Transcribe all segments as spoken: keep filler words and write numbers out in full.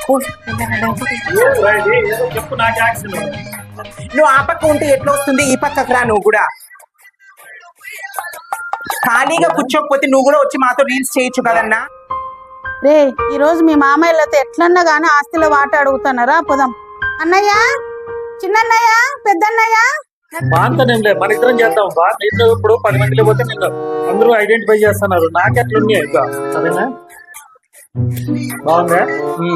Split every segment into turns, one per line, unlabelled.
చెప్పు నాకు యాక్షన్.
నువ్వు ఆ పక్క ఉంటే ఎట్లా వస్తుంది, ఈ పక్కకు రా. నువ్వు కూడా ఖాళీగా కూర్చోకపోతే నువ్వు కూడా వచ్చి మాతో రీల్స్ చేయొచ్చు కదన్నా.
రే ఈ రోజు మీ మామయ్యలతో ఎట్లన్నా గానీ ఆస్తిలో వాట అడుగుతున్నారా? పోదాం. అన్నయ్య, చిన్నన్నయ్య, పెద్దన్నయ్య.
బాగుంటానేం లేదు, మన ఇద్దరం చేద్దాం బా. నిన్ను ఇప్పుడు పది మందిలో పోతే నిన్ను అందరూ ఐడెంటిఫై చేస్తున్నారు. నాకెట్లున్నాయి ఇంకా సరేనా? బాగుందా?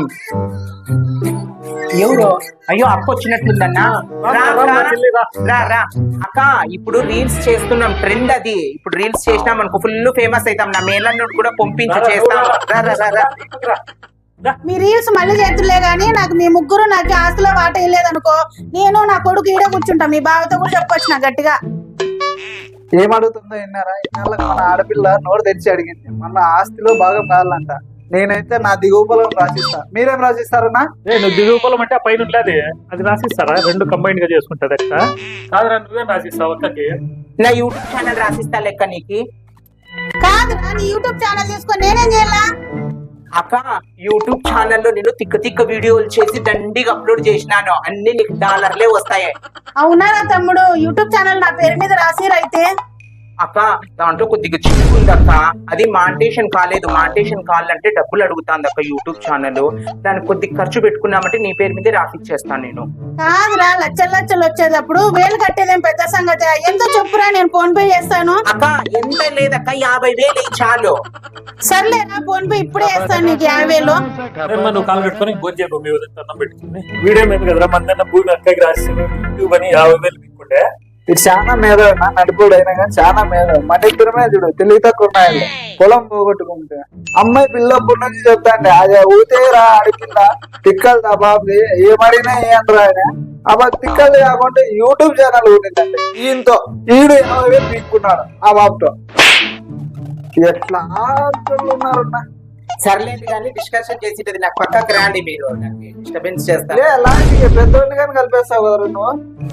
ఎవరు? అయ్యో అక్క వచ్చినట్లుందన్నా. రా రా అక్క, ఇప్పుడు రీల్స్ చేస్తున్నాం, ట్రెండ్ అది. ఇప్పుడు రీల్స్ చేసినాం అనుకో ఫుల్ ఫేమస్ అవుతాం. నా మేళను కూడా పంపించి చేస్తాం. రా రా రా.
మీ రీల్స్ మళ్ళీ చేతులే గానీ నాకు మీ ముగ్గురు నాకు ఆస్తిలో వాట వేయలేదనుకో, నేను నా కొడుకు ఈడ కూర్చుంటా. మీ బావతో కూడా చెప్పొచ్చు నా గట్టిగా.
ఏమడుగుతుందో విన్నారా? ఇన్నాళ్ళకి మన ఆడపిల్ల నోరు తెరిచి అడిగింది మన ఆస్తిలో భాగం కావాలంట. నేనైతే నా దిగువపలం రాసిస్తా. మీరేం రాసిస్తారన్నా?
నువ్వు దిగువపలం అంటే ఆ పైన ఉండేది అది రాసిస్తారా? రెండు కంబైన్ గా చేసుకుంటది అక్క. కాదురా, నువ్వేం రాసిస్తావు అక్కకి?
నా యూట్యూబ్ ఛానల్ రాసిస్తా లెక్క నీకు.
కాదురా, నీ యూట్యూబ్ ఛానల్ తీసుకొని నేనేం చేయాలా?
అక్క యూట్యూబ్ ఛానల్లో నేను తిక్క తిక్క వీడియోలు చేసి దండిగా అప్లోడ్ చేసినాను. అన్ని నీకు డాలర్లే వస్తాయి.
అవునా తమ్ముడు? యూట్యూబ్ ఛానల్ నా పేరు మీద రాసిరైతే.
అక్క దాంట్లో కొద్దిగా చిక్కుంది అక్క. అది మాంటేషన్ కాలేదు. మాంటేషన్ కావాలంటే డబ్బులు అడుగుతాంది అక్క యూట్యూబ్ ఛానల్. దానికి కొద్దిగా ఖర్చు పెట్టుకున్నామంటే నీ పేరు మీదే రాసిచ్చేస్తాను నేను.
కాదురా, లచ్చలు లచ్చలు వచ్చేటప్పుడు వేలు కట్టేదేం పెద్ద సంగతి. ఎంత చెప్పురా, నేను ఫోన్ పే చేస్తాను.
అక్క ఎంత లేదక్క, యాభై వేలు చాలు.
సర్లేరా, ఫోన్ పే ఇప్పుడే వేస్తాను నీకు యాభై వేలు.
నువ్వు కాలు పెట్టుకొని భోజనం పెట్టుకుని వీడియో మీద కదరా మన భూమి అక్కకి రాసి యూట్యూబ్ అని యాభై వేలు తీసుకుంటే
ఇది చాలా మేధ నడిపోడు అయినా కానీ చాలా మేధ. మన ఇద్దరమే చూడు తెలివి తక్కువ ఉన్నాయి. పొలం పోగొట్టుకుంటే అమ్మాయి పిల్లప్పటి నుంచి చెప్తాండి అది ఊతేరా అడిగిందా తిక్కలు దా బాబు ఏమడినా ఏమరా ఆయన. ఆ బాబు తిక్కలు కాకుండా యూట్యూబ్ ఛానల్ ఉండిందండి. ఈయనతో ఈడు యాభై వేలు తీసుకున్నాడు ఆ బాబుతో. ఎట్లా ఉన్నారన్నా?
సర్లేదు కానీ డిస్కషన్ చేసేది నాకు పక్కకు రాండి. మీరు డిస్టర్బెన్స్ చేస్తారు.
పెద్దోళ్ళు కానీ కలిపేస్తావు కదా నువ్వు.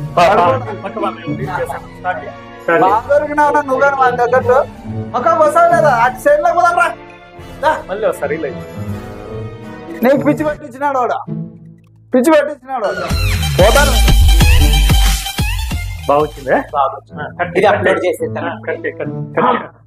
బాగా దొరికినావు నువ్వు కానీ మన దగ్గర ఒక వస్తావు కదా అటు సైడ్ లో పోదాం.
మళ్ళీ సరే
నీకు పిచ్చి పట్టించినాడు వాడు, పిచ్చి పట్టించినాడు పోతాను.
బాగుంటుందే
ఇది అప్లోడ్ చేసేస్తాను.